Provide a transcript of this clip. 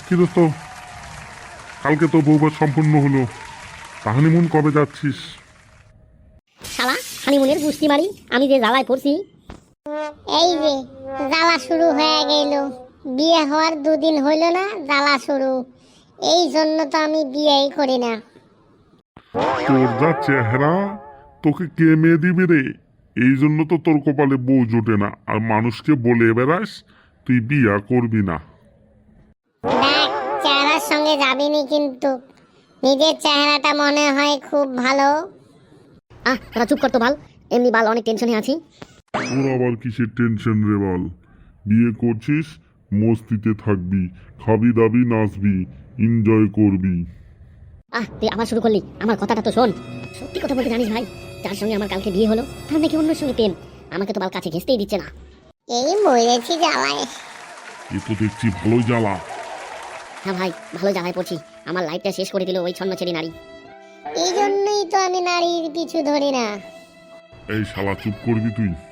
কি দোস্ত, কালকে তো বউভাত সম্পূর্ণ হলো, হানিমুন কবে যাচ্ছিস? শালা হানিমুনের গুষ্টি মারি আমি যে জ্বালায় পড়ছি। এই যে জ্বালা শুরু হয়ে গেল, বিয়ে হওয়ার 2 দিন হইল না জ্বালা শুরু। এই জন্য তো আমি বিয়েই করি না। তোর যা চেহারা, তোকে কে মেয়ে দিবে রে? এই জন্য তো তোর কপালে বউ জোটে না, আর মানুষকে বলে বেড়াস তুই বিয়া করবি না। দেখ, চেহারার সঙ্গে যাবিনি, কিন্তু নিজের চেহারাটা মনে হয় খুব ভালো। তোরা চুপ কর তো বাল, এমনি বাল অনেক টেনশনে আছি। তোর আবার কিসের টেনশন রে বল? বিয়ে করছিস, মস্তিতে থাকবি, খাবি দাবি, নাচবি, এনজয় করবি। তুই আবার শুরু করলি, আমার কথাটা তো শোন। সত্যি কথা বলতে জানিস ভাই, যার সঙ্গে আমার কালকে বিয়ে হলো তার নাকি অন্যের সঙ্গে প্রেম। আমাকে তো বাল কাছে ঘেঁচতেই দিচ্ছে না। এই মরেছি জ্বালায়। এ তো দেখছি ভালোই জ্বালা। হ্যাঁ ভাই, ভালো জ্বালায় পড়ছি। আমার লাইফটা শেষ করে দিল ওই ছন্নছেড়ি নারী। এই জন্যই তো আমি নারীর পিছু ধরি না। এই শালা চুপ করবি তুই?